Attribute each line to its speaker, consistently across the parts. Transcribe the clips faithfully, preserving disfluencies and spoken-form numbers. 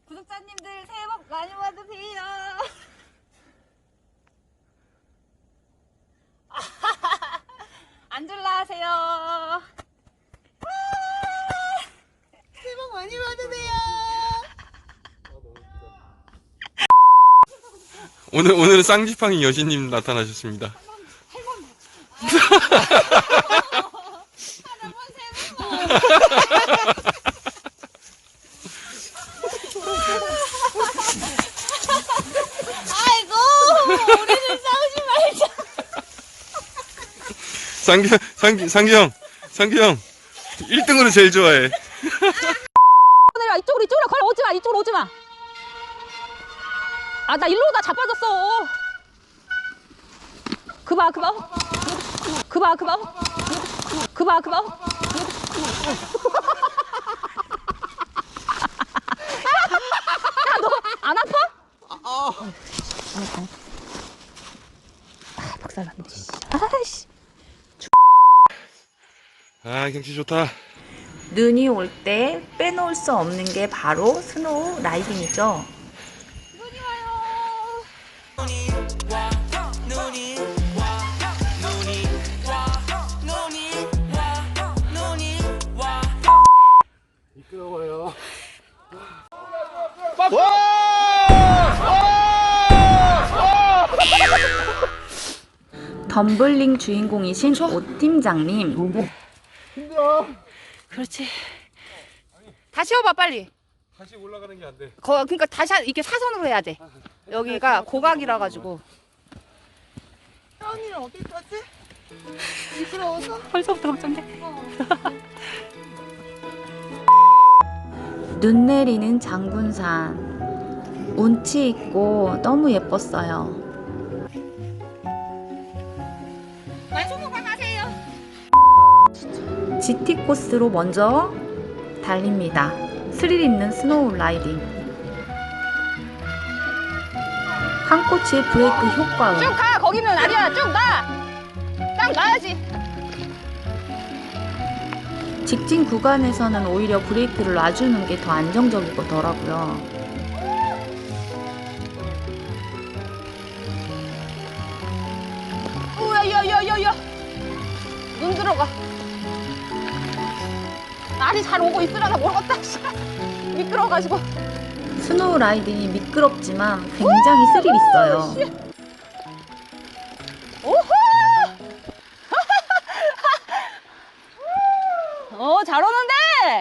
Speaker 1: 구독자님들 새해 복 많이 받으세요. 앉을라 하세요. 새해 복 많이 받으세요.
Speaker 2: 오늘 오늘은 쌍지팡이 여신님 나타나셨습니다.
Speaker 1: 아이고, 우리는 싸우지 말자.
Speaker 2: 상규 상규 상규 형 상규 형 일 등으로 제일 좋아해.
Speaker 1: 내려 이쪽으로 이쪽으로 걸어 오지 마. 이쪽으로 오지 마. 아, 나 일로 오다 자빠졌어. 그봐 그봐 그봐 그봐 그봐 그봐. 야, 너 안 아파? 아, 아. 아, 박살났네. 아이씨.
Speaker 2: 아 경치 좋다.
Speaker 3: 눈이 올 때 빼놓을 수 없는 게 바로 스노우 라이딩이죠.
Speaker 1: 눈이 와요.
Speaker 2: 미끄러워요.
Speaker 3: 덤블링 주인공이신 오 팀장님.
Speaker 2: 힘들어.
Speaker 1: 그렇지. 다시 해봐 빨리.
Speaker 2: 다시 올라가는 게 안 돼.
Speaker 1: 거, 그러니까 다시 한- 이렇게 사선으로 해야 돼. 여기가 고각이라 가지고.
Speaker 4: 언니는 어디 갔지? 미끄러워서?
Speaker 1: 벌써부터 걱정돼.
Speaker 3: 눈 내리는 장군산. 운치 있고 너무 예뻤어요.
Speaker 1: 만수무강 하세요.
Speaker 3: 지티 코스로 먼저 달립니다. 스릴 있는 스노우 라이딩. 한 꼬치의 브레이크 효과음.
Speaker 1: 쭉 가. 거기는 아니야. 쭉 가. 딱 가야지.
Speaker 3: 직진 구간에서는 오히려 브레이크를 놔주는 게 더 안정적이더라고요.
Speaker 1: 오야야야야야. 눈 들어가. 날이 잘 오고 있으려나 모르겠다. 미끄러워가지고.
Speaker 3: 스노우 라이딩이 미끄럽지만 굉장히 스릴 있어요.
Speaker 1: 오호! 어, 잘 오는데?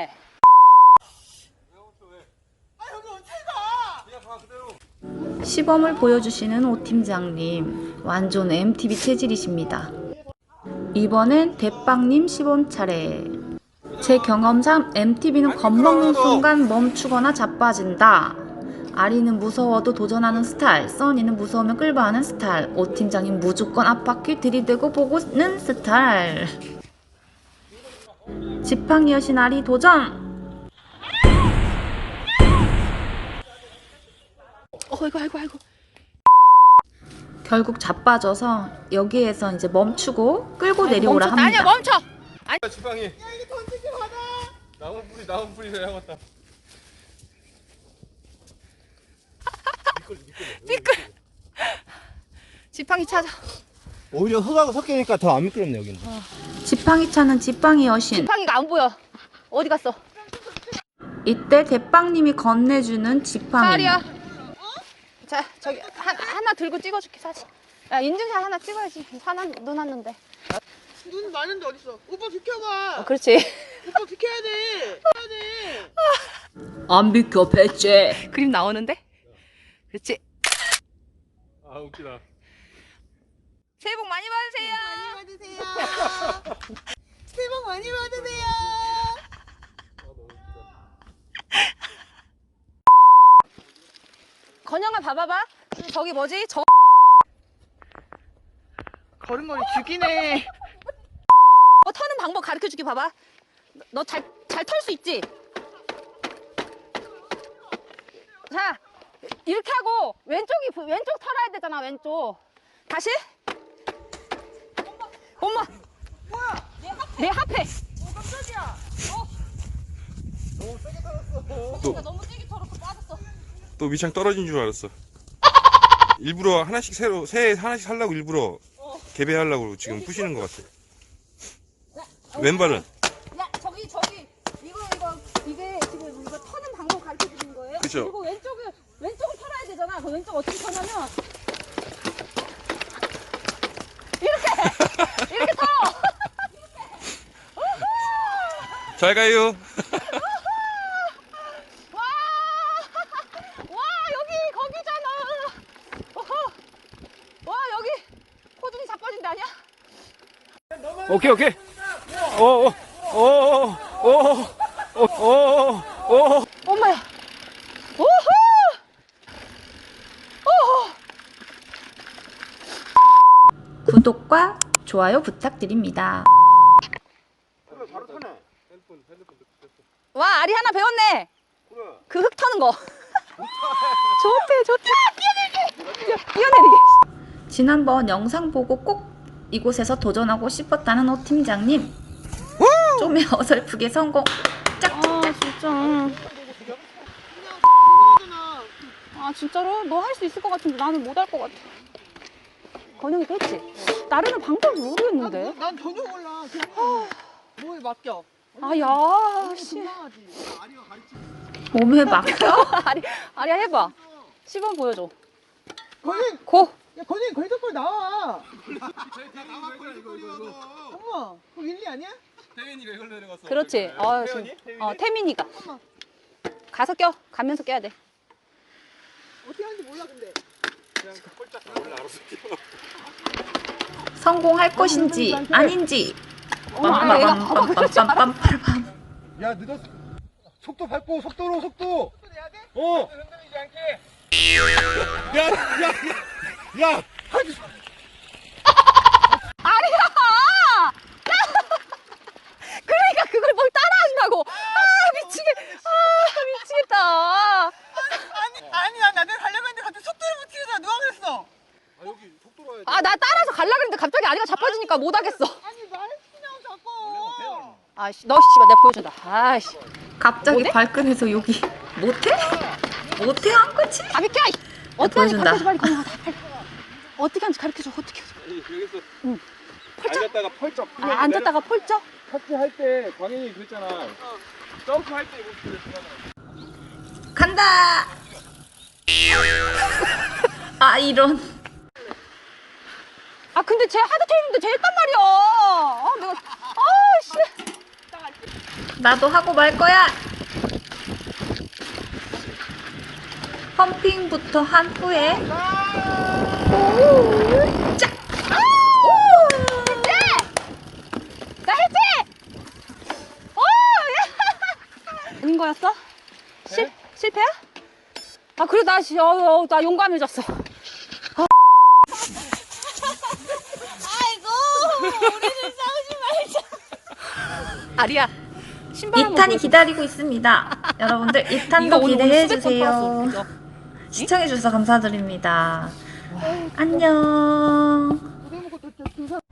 Speaker 3: 시범을 보여주시는 오 팀장님. 완전 엠티비 체질이십니다. 이번엔 대빵님 시범 차례. 제 경험상 엠티비는 겁먹는 순간 멈추거나 자빠진다. 아리는 무서워도 도전하는 스타일, 써니는 무서우면 끌바하는 스타일, 오 팀장님 무조건 앞바퀴 들이대고 보고는 스타일. 지팡이 여신 아리 도전!
Speaker 1: 어이구, 아이고, 아이고.
Speaker 3: 결국 자빠져서 여기에서 이제 멈추고 끌고 내려오라
Speaker 1: 멈췄다. 아니야,
Speaker 3: 합니다.
Speaker 1: 멈춰!
Speaker 2: 지팡이. 야 이거 던지지 마라. 나무 뿌리 나무 뿌리 해야겠다.
Speaker 1: 미끌. 지팡이 찾아.
Speaker 4: 오히려 흙하고 섞이니까 더 안 미끄럽네 여기는.
Speaker 3: 지팡이 차는 지팡이 여신.
Speaker 1: 지팡이가 안 보여. 어디 갔어?
Speaker 3: 이때 대빵님이 건네주는 지팡이.
Speaker 1: 사리야. 자, 저기 하, 하나 들고 찍어줄게 사진. 야, 인증샷 하나 찍어야지. 사람 눈 왔는데.
Speaker 4: 눈 많은데 어딨어? 오빠 비켜봐.
Speaker 1: 어, 그렇지.
Speaker 4: 오빠 비켜야 돼. 비켜야 돼.
Speaker 3: 안 비켜 배째.
Speaker 1: 그림 나오는데? 그렇지.
Speaker 2: 아 웃기다.
Speaker 1: 새해 복 많이 받으세요.
Speaker 4: 많이 받으세요. 새해 복 많이 받으세요.
Speaker 1: 건영아 봐봐봐. 저기 뭐지? 저
Speaker 4: 걸음걸이 죽이네.
Speaker 1: 어, 터는 방법 가르쳐줄게. 봐봐. 너 잘 잘 털 수 있지? 자, 이렇게 하고 왼쪽이 왼쪽 털어야 되잖아. 왼쪽. 다시. 엄마. 엄마.
Speaker 4: 뭐야?
Speaker 1: 내 앞에.
Speaker 4: 어 깜짝이야.
Speaker 1: 어.
Speaker 4: 너무 세게 살았어.
Speaker 1: 너무 세게 털었어. 빠졌어.
Speaker 2: 또 밑창 떨어진 줄 알았어. 일부러 하나씩 새로 새 하나씩 살라고 일부러 개배하려고 지금 부시는 것 같아. 왼발은?
Speaker 1: 야 저기 저기 이거 이거 이게 지금 이거 터는 방법 가르쳐 주는 거예요?
Speaker 2: 그쵸.
Speaker 1: 그리고 왼쪽을 왼쪽을 털어야 되잖아. 그 왼쪽 어떻게 터냐면 이렇게 이렇게 터.
Speaker 2: 잘 가요.
Speaker 1: 와, 와 여기 거기잖아. 어허. 와 여기 호준이 자빠진데 아니야?
Speaker 2: 오케이 오케이. 오오오오오오오오.
Speaker 1: 엄마야. 오호. 오호.
Speaker 3: 구독과 좋아요 부탁드립니다.
Speaker 2: 바로 타네.
Speaker 1: 와 알이 하나 배웠네. 그 흙 터는 거. 좋대 좋대. 뛰어내리기. 뛰어내리기.
Speaker 3: 지난번 영상 보고 꼭 이곳에서 도전하고 싶었다는 오 팀장님. 좀에 어설프게 성공.
Speaker 1: 아 진짜. 아 진짜로? 너 할 수 있을 것 같은데 나는 못 할 것 같아. 건영이 했지? 나르는 방법을 모르겠는데.
Speaker 4: 난 전혀 몰라. 그냥 뭐에 맡겨.
Speaker 1: 아야 씨.
Speaker 4: 금방하지.
Speaker 3: 몸에 맡겨?
Speaker 1: 아리 아리야 해봐. 시범 보여줘.
Speaker 4: 건이,
Speaker 1: 고.
Speaker 4: 야 건이 걸작걸 나와. 엄마, 그거 윌리 아니야?
Speaker 2: 태민이가 이걸 내려갔어.
Speaker 1: 그렇지. 아 지금. 어 태민이가. 가서 껴. 가면서 껴야 돼.
Speaker 4: 어떻게 하는지 몰라 근데.
Speaker 2: 그냥 꼴짝 원래 알아서 뛰어.
Speaker 3: 성공할 것인지 아닌지.
Speaker 1: 엄마 얘가
Speaker 3: 빰빰빰빰빰빰빰.
Speaker 5: 야 늦었어. 속도 밟고 속도로 속도.
Speaker 4: 또 내야 돼?
Speaker 5: 어.
Speaker 2: 흔들리지 않게.
Speaker 5: 야야야. 야.
Speaker 1: 아리야. 그러니까 그걸 뭘 따라한다고. 아 미치겠. 아 미치겠다.
Speaker 4: 아니 아니 난 나한테 가려고 했는데 갑자기 속도를 못 치잖아. 누가 그랬어?
Speaker 5: 아 여기 속도로 와야 돼.
Speaker 1: 아 나 따라서 갈라 그랬는데 갑자기 아리가 자빠지니까 못 하겠어.
Speaker 4: 아니 말했으냐고 자꾸.
Speaker 1: 아씨 너 씨발 내가 보여준다. 아씨.
Speaker 3: 갑자기
Speaker 1: 뭐래?
Speaker 3: 발끈해서 여기 못해? 못해 한 거지?
Speaker 1: 아 비켜. 어떻게 하는지
Speaker 3: 보여준다.
Speaker 1: 가르쳐줘 빨리 건영아 빨리. 어떻게 하는지 가르쳐줘 어떻게 해줘.
Speaker 2: 여기서
Speaker 1: 응.
Speaker 2: 앉았다가 펄쩍.
Speaker 1: 아, 앉았다가 폴쩍?
Speaker 2: 터치 할때 광현이 그랬잖아. 점프 할 때 이거 그랬잖아.
Speaker 3: 간다. 아 이런.
Speaker 1: 아 근데 쟤 하드 트레이닝도 쟤 했단 말이야. 아 내가 아씨.
Speaker 3: 나도 하고 말 거야. 펌핑부터 한 후에 짝!
Speaker 1: 나 했지? 오! 야! 아닌 거였어? 실 실패야? 아 그래 나 시- 어, 어, 나 용감해졌어. 아. 아이고 우리는 싸우지 말자. 아리야 신발 한번
Speaker 3: 이 탄이
Speaker 1: 보여줘.
Speaker 3: 기다리고 있습니다. 여러분들 이
Speaker 1: 이거
Speaker 3: 탄도
Speaker 1: 오늘
Speaker 3: 기대해
Speaker 1: 수백 번 팔았어,
Speaker 3: 주세요.
Speaker 1: 그죠?
Speaker 3: 시청해 주셔서 감사드립니다. 안녕.
Speaker 4: 고생 먹고 또, 또, 또,